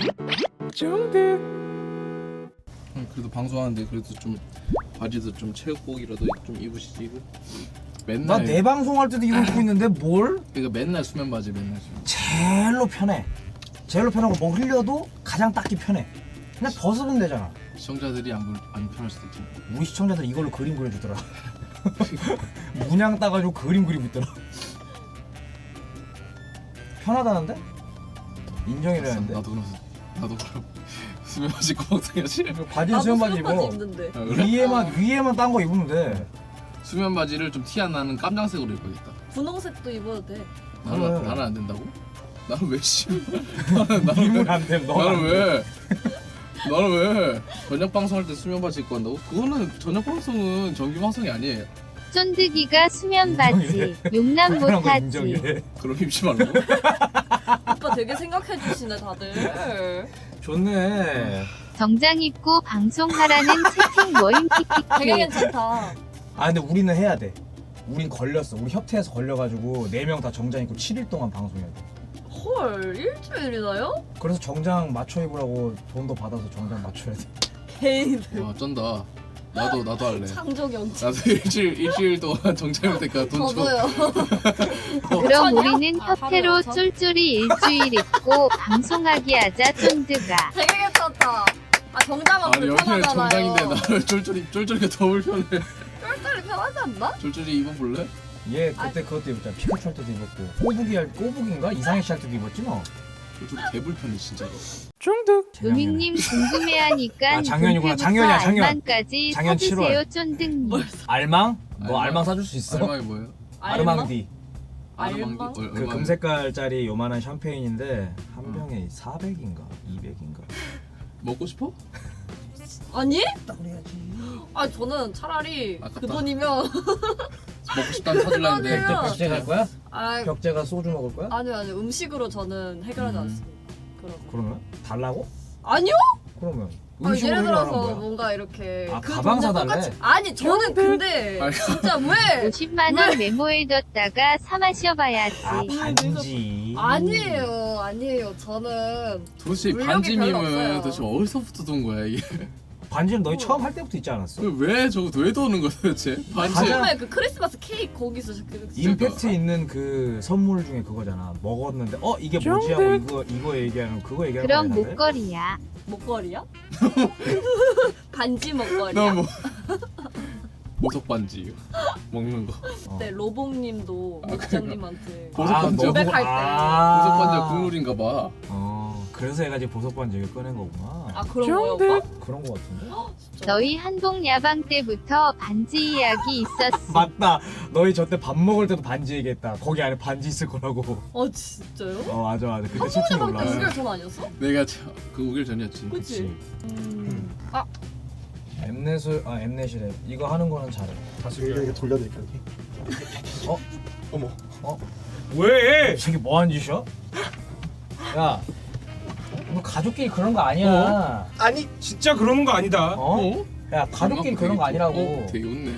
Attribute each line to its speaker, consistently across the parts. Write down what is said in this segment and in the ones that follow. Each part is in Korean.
Speaker 1: 그래도 방송하는데 그래도 좀 바지도 좀 체육복이라도 좀 입으시지 이거.
Speaker 2: 나
Speaker 1: 맨날
Speaker 2: 내 방송할 때도 이걸 입고 있는데 뭘?
Speaker 1: 그러니까 맨날 수면 바지 맨날 수면.
Speaker 2: 제일로 편해. 제일로 편하고 뭐 흘려도 가장 닦기 편해. 그냥 벗으면 되잖아.
Speaker 1: 시청자들이 안 편할 수도 있지.
Speaker 2: 우리 시청자들 이걸로 그림 그려주더라. 문양 따가지고 그림 그리고 있더라. 편하다는데? 인정이라는데?
Speaker 1: 나도 그럼 수면 바지 꼭 당야지.
Speaker 2: 바지는 수면 바지 입어.
Speaker 3: 입는데.
Speaker 2: 위에만 딴 거 입으면 돼.
Speaker 1: 수면 바지를 좀 티 안 나는 깜장색으로 입어야겠다.
Speaker 3: 분홍색도 입어도 돼.
Speaker 1: 나는 안 된다고? 나는 왜 씨?
Speaker 2: 입으면 안 돼.
Speaker 1: 나는 왜? 나는 왜? 저녁 방송할 때 수면 바지 입고 한다고? 그거는 저녁 방송은 정규 방송이 아니에요.
Speaker 4: 쫀득이가 수면 바지 용납 못하지.
Speaker 2: 인정이래.
Speaker 1: 그럼 입지 말고.
Speaker 3: 오빠 되게 생각해 주시네 다들.
Speaker 2: 좋네.
Speaker 4: 정장 입고 방송하라는 채팅 모임
Speaker 3: 되게
Speaker 4: 키키키.
Speaker 3: 괜찮다.
Speaker 2: 아 근데 우리는 해야 돼. 우린 걸렸어. 우리 협회에서 걸려가지고 4명 다 정장 입고 7일 동안 방송해야 돼.
Speaker 3: 헐 일주일이나요?
Speaker 2: 그래서 정장 맞춰 입으라고 돈도 받아서 정장 맞춰야 돼.
Speaker 3: 개인들.
Speaker 1: 와 쩐다. 나도 할래.
Speaker 3: 창조경치.
Speaker 1: 나도 일주일 동안 정장 입을 테니까 돈 줘.
Speaker 3: 저도요.
Speaker 4: 그럼 우리는
Speaker 3: 아,
Speaker 4: 협회로
Speaker 3: 하루에
Speaker 4: 쫄쫄이 일주일 입고 방송하기 하자 쫀득아.
Speaker 3: 되게 괜찮다. 아 정장은
Speaker 1: 아니 여기는
Speaker 3: 불편하잖아요.
Speaker 1: 정장인데 나를 쫄쫄이가 더 불편해.
Speaker 3: 쫄쫄이 편하지 않나?
Speaker 1: 쫄쫄이 입어볼래?
Speaker 2: 얘 그때 그것도 입었잖아. 피카츄 할 때도 입었고 꼬북인가? 이상해 씨 할 때도 입었지 너?
Speaker 1: 쫄쫄이 개 불편해 진짜로.
Speaker 4: 루밍님 궁금해하니까
Speaker 2: 아, 작년이구나. 작년이야, 작년.
Speaker 4: 알만까지
Speaker 2: 작년
Speaker 4: 사주세요
Speaker 2: 7월.
Speaker 4: 쫀득님.
Speaker 2: 알망? 너
Speaker 1: 알망.
Speaker 2: 알망 사줄 수 있어?
Speaker 1: 알망이 뭐예요?
Speaker 2: 아르망디.
Speaker 3: 알망?
Speaker 2: 그 금색깔짜리 요만한 샴페인인데 한 병에 400인가 200인가.
Speaker 1: 먹고 싶어?
Speaker 3: 아니?
Speaker 2: 그래야지.
Speaker 3: 아 저는 차라리
Speaker 1: 아깝다.
Speaker 3: 그 돈이면
Speaker 1: 먹고 싶다면 사줄라는데
Speaker 3: 아니야.
Speaker 2: 벽제 갈 거야?
Speaker 3: 아
Speaker 2: 벽제가 소주 먹을 거야?
Speaker 3: 아니요 음식으로 저는 해결하지 않습니다. 그럼
Speaker 2: 그러면 달라고?
Speaker 3: 아니요?
Speaker 2: 그러면
Speaker 3: 아니,
Speaker 2: 음식으로
Speaker 3: 예를
Speaker 2: 해결하는
Speaker 3: 들어서
Speaker 2: 거야.
Speaker 3: 뭔가 이렇게
Speaker 2: 아,
Speaker 3: 그
Speaker 2: 가방
Speaker 3: 돈을
Speaker 2: 사달래?
Speaker 3: 똑같이- 아니 저는 근데
Speaker 1: 아니,
Speaker 3: 진짜 왜
Speaker 4: 50만 원 메모에 뒀다가 사 마셔봐야지.
Speaker 2: 아 반지.
Speaker 3: 아니에요 저는
Speaker 1: 도대체
Speaker 3: 물력이 별로
Speaker 1: 반지밈은
Speaker 3: 없어요.
Speaker 1: 도대체 어디서부터 돈 거야 이게?
Speaker 2: 반지는 너희 처음 할 때부터 있지 않았어?
Speaker 1: 왜 저거 왜 도는 거야 도대체? 반지
Speaker 2: 가장-
Speaker 3: 처음에 그 크리스마스 케이크 거기서
Speaker 2: 임팩트 있는 그 선물 중에 그거잖아. 먹었는데 이게 뭐지 하고 이거 얘기하는 그거 얘기하는
Speaker 4: 그럼
Speaker 2: 거야, 다들?
Speaker 4: 목걸이야.
Speaker 3: 목걸이야? 반지 목걸이야?
Speaker 1: 너뭐 보석 반지 먹는 거.
Speaker 3: 네 로봉님도
Speaker 1: 아,
Speaker 3: 목장님한테
Speaker 1: 보석 반지야?
Speaker 3: 고백할 때.
Speaker 1: 보석 반지가 국룰인가 봐.
Speaker 2: 그래서 해가지고 보석 반지 얘기 꺼낸 거구나.
Speaker 3: 아 그런 거요 오빠?
Speaker 2: 그런 거 같은데?
Speaker 4: 너희 한복 야방 때부터 반지 이야기 있었어.
Speaker 2: 맞다. 너희 저때 밥 먹을 때도 반지 얘기했다. 거기 안에 반지 있을 거라고.
Speaker 3: 진짜요?
Speaker 2: 맞아. 그때
Speaker 3: 한
Speaker 2: 채팅
Speaker 3: 번에 방때
Speaker 2: 올라.
Speaker 3: 6개월 전 아니었어?
Speaker 1: 내가 그 5일 전이었지.
Speaker 3: 그치?
Speaker 2: 엠넷이래. 이거 하는 거는 잘해.
Speaker 5: 이거 돌려드릴게요 여기.
Speaker 1: 어머.
Speaker 2: 왜? 이 새끼 뭐 하는 짓이야? 야, 너 가족끼리 그런 거 아니야.
Speaker 5: 아니 진짜 그러는 거 아니다.
Speaker 1: 어?
Speaker 2: 야, 가족끼리 그런 거 아니라고.
Speaker 1: 되게 웃네.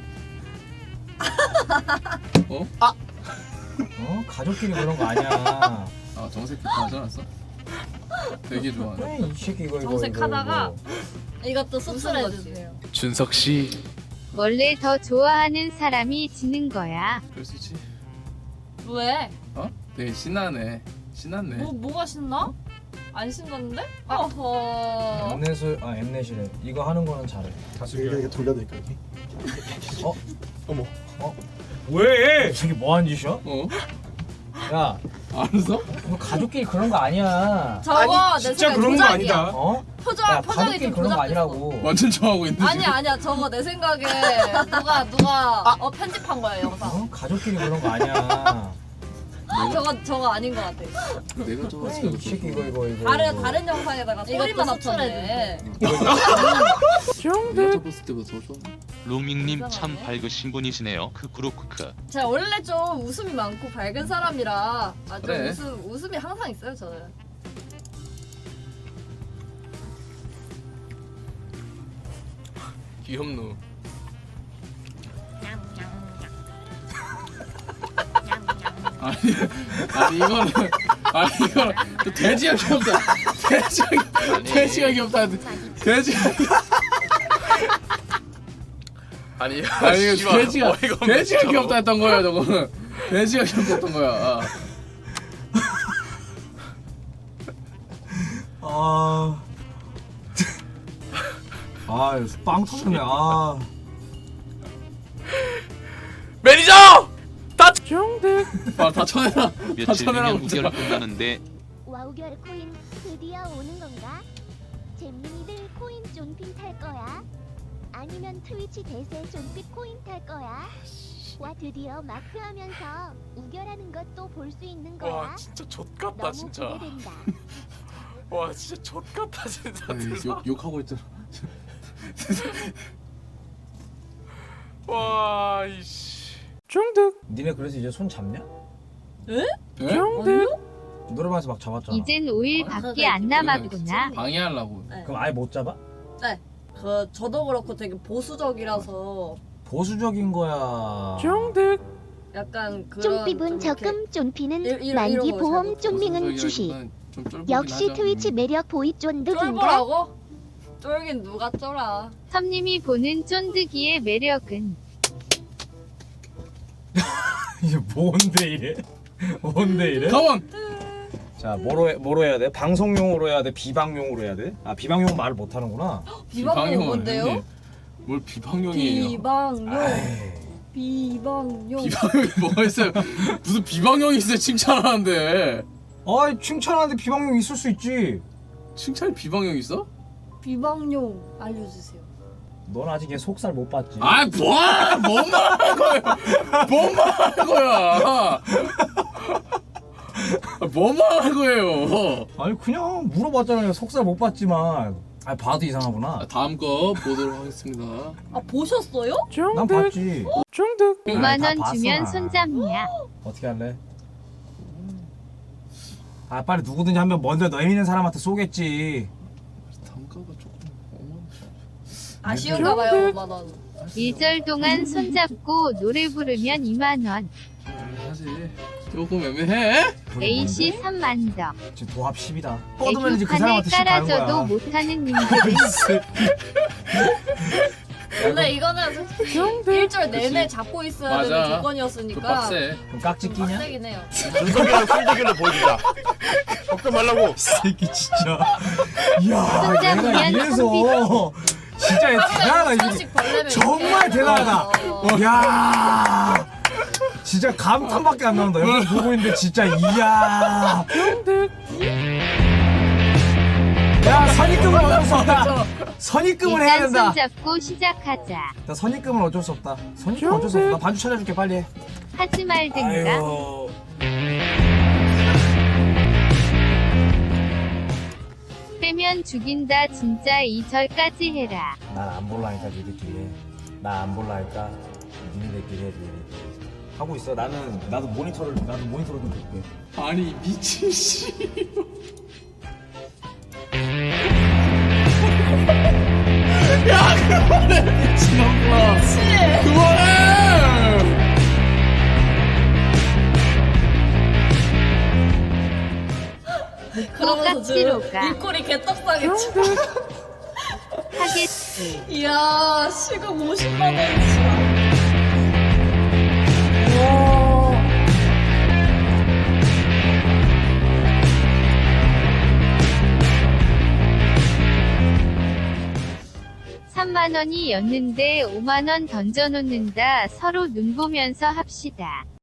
Speaker 2: 가족끼리 그런 거 아니야.
Speaker 1: 아 정색 다 하지 않았어? 되게 좋아하네.
Speaker 2: 이 새끼 이거
Speaker 3: 정색하다가
Speaker 2: 이거.
Speaker 3: 이것도 씁쓸해주세요.
Speaker 1: 준석 씨.
Speaker 4: 원래 더 좋아하는 사람이 지는 거야.
Speaker 1: 그럴 수 있지.
Speaker 3: 왜?
Speaker 1: 되게 신나네. 신났네.
Speaker 3: 뭐가 신나? 안 신났는데? 어허
Speaker 2: 엠넷이래. 이거 하는 거는 잘해.
Speaker 5: 이거 돌려드릴게요 여기.
Speaker 2: 왜? 이 새끼 뭐 하는 짓이야?
Speaker 1: 어?
Speaker 2: 야,
Speaker 1: 알았어?
Speaker 2: 너 가족끼리 그런 거 아니야.
Speaker 3: 저거 내
Speaker 5: 진짜
Speaker 3: 생각에
Speaker 5: 그런 거
Speaker 3: 조작이야.
Speaker 5: 아니다.
Speaker 3: 표정
Speaker 2: 야,
Speaker 3: 표정이
Speaker 2: 가족끼리
Speaker 3: 좀
Speaker 2: 그런 거
Speaker 3: 조작됐어.
Speaker 2: 아니라고.
Speaker 1: 완전 좋아하고 있는데.
Speaker 3: 아니야 저거 내 생각에 누가 편집한 거야 영상.
Speaker 2: 가족끼리 그런 거 아니야.
Speaker 3: 저거 아닌 것 같아.
Speaker 1: 내가 좋아했어.
Speaker 2: 이 새끼 이거.
Speaker 3: 다른 영상에다가 소리만 합쳤네.
Speaker 1: 내가 접었을 때보다 더 좋아.
Speaker 6: 로밍님 참 밝으신 분이시네요. 크크로크크.
Speaker 3: 제가 원래 좀 웃음이 많고 밝은 사람이라 좀
Speaker 1: 그래.
Speaker 3: 웃음이 항상 있어요 저는.
Speaker 1: 귀엽노. 아니 이거는 아 이거 또 돼지가 귀엽다. 돼지가 귀엽다. 돼지가
Speaker 7: 아니
Speaker 1: 아니 이거
Speaker 7: 씨발,
Speaker 1: 돼지가
Speaker 7: 어이가 없네,
Speaker 1: 돼지가
Speaker 7: 진짜로.
Speaker 1: 귀엽다 했던 거야 저거는. 돼지가 귀엽다 했던 거야.
Speaker 2: 빵 터졌네.
Speaker 7: 매니저!
Speaker 1: 다 쳐내라. 다
Speaker 6: 며칠
Speaker 1: 쳐내라.
Speaker 6: 뒤면 우결 끝나는데
Speaker 8: 와우결 코인 드디어 오는 건가? 잼민이들 코인 존핀 탈 거야? 아니면 트위치 대세 존핀 코인 탈 거야? 와 드디어 마크하면서 우결하는 것도 볼 수 있는 거야?
Speaker 7: 와 진짜 좆같다
Speaker 8: 너무
Speaker 7: 진짜.
Speaker 8: 기대된다.
Speaker 7: 와 진짜 좆같다 진짜.
Speaker 1: 욕하고 있잖아.
Speaker 7: 와 이씨.
Speaker 2: 니네 그래서 이제 손 잡냐?
Speaker 1: 예?
Speaker 2: 노래방에서 막 잡았잖아.
Speaker 4: 이젠 5일밖에 안 남았구나.
Speaker 1: 방해하려고.
Speaker 2: 그럼 아예 못 잡아?
Speaker 3: 저도 그렇고 되게 보수적이라서
Speaker 2: 보수적인 거야.
Speaker 3: 약간 그런
Speaker 8: 쫀삐분
Speaker 3: 좀 이렇게
Speaker 8: 적금 쫀피는
Speaker 3: 이런
Speaker 8: 만기
Speaker 3: 거
Speaker 8: 보험
Speaker 3: 잘못
Speaker 8: 쫀밍은 주식.
Speaker 1: 좀 쫄보긴
Speaker 8: 역시
Speaker 1: 하죠.
Speaker 8: 트위치 매력 보이 쫀득인가?
Speaker 3: 쫄보라고? 쫄긴 누가 쫄아?
Speaker 4: 섬님이 보는 쫀득이의 매력은
Speaker 2: 이게 뭔데 이래? 뭔데 이래?
Speaker 1: 가원.
Speaker 2: 자, 뭐로 해야 돼? 방송용으로 해야 돼? 비방용으로 해야 돼? 아, 비방용 말을 못 하는구나.
Speaker 3: 비방용 뭔데요?
Speaker 1: 뭘 비방용이에요?
Speaker 3: 비방용.
Speaker 2: 아이,
Speaker 3: 비방용.
Speaker 1: 비방용이 뭐가 있어요? 무슨 비방용이 있어요? 칭찬하는데.
Speaker 2: 아이, 칭찬하는데 비방용 있을 수 있지.
Speaker 1: 칭찬에 비방용이 있어?
Speaker 3: 비방용 알려주세요.
Speaker 2: 넌 아직 얘 속살 못 봤지.
Speaker 1: 아, 뭔 말하는 거예요? 뭔 말하는 거야? 뭔 말하는 거예요?
Speaker 2: 아니 그냥 물어봤잖아요. 속살 못 봤지만. 아, 봐도 이상하구나.
Speaker 1: 다음 거 보도록 하겠습니다.
Speaker 3: 아 보셨어요?
Speaker 2: 난 봤지.
Speaker 4: 5만
Speaker 2: 다
Speaker 4: 원
Speaker 2: 봤어,
Speaker 4: 주면
Speaker 2: 나.
Speaker 4: 손잡냐?
Speaker 2: 어떻게 할래? 아, 빨리 누구든지 한 명 먼저 너 있는 사람한테 쏘겠지.
Speaker 1: 단가가 조금
Speaker 3: 아쉬운가봐요 5만 원.
Speaker 4: 1절 동안 손잡고 노래 부르면 2만 원.
Speaker 1: 사실 조금 애매해.
Speaker 4: AC 3만 더.
Speaker 2: 지금 도합 10이다. 뻗으면 이제 그
Speaker 4: 애교판을
Speaker 2: 사람한테 10 가는
Speaker 4: 깔아줘도
Speaker 2: 거야.
Speaker 4: 못하는 님들은
Speaker 3: 원래 이거는 일주일 내내 잡고 있어야 되는
Speaker 1: 맞아. 그
Speaker 3: 조건이었으니까
Speaker 1: 빡세.
Speaker 2: 그럼 깍지 끼냐?
Speaker 3: 빡세긴 해요.
Speaker 7: 준석이랑 술대결로 보여주자. 걱정 말라고.
Speaker 2: 이 새끼 진짜. 이야,
Speaker 4: 혼자
Speaker 2: 얘가
Speaker 4: 보면
Speaker 2: 이래서 진짜 얘 대단하다. 이게.
Speaker 3: 천씩 벌레면
Speaker 2: 정말
Speaker 3: 이렇게
Speaker 2: 대단하다.
Speaker 3: 해서.
Speaker 2: 이야, 진짜 감탄밖에 안 나온다. 여기 보고 있는데 진짜 이야. 야, 선입금은 어쩔 수 없다. 선입금은 해야
Speaker 4: 일단
Speaker 2: 된다.
Speaker 4: 손잡고 시작하자.
Speaker 2: 나 선입금은 어쩔 수 없다. 선입금 어쩔 수 없다. 나 반주 찾아줄게 빨리 해.
Speaker 4: 하지 말든가.
Speaker 2: 아유.
Speaker 4: 빼면 죽인다 진짜 2절까지 해라.
Speaker 2: 난 안 볼라니까 니들끼리 해. 나 안 볼라니까 니네들끼리 해. 니네들끼리. 하고 있어. 나도 모니터로 좀 볼게.
Speaker 1: 아니 미친 씨. 야 그만해 미친놈아. 그만해.
Speaker 3: 그러면서 지금
Speaker 4: 깍지로 가.
Speaker 3: 입꼬리 개떡상했지.
Speaker 4: 하겠지.
Speaker 3: 이야 시급 50만 원이지. 와.
Speaker 4: $3만 원이었는데 5만 원 던져놓는다. 서로 눈 보면서 합시다.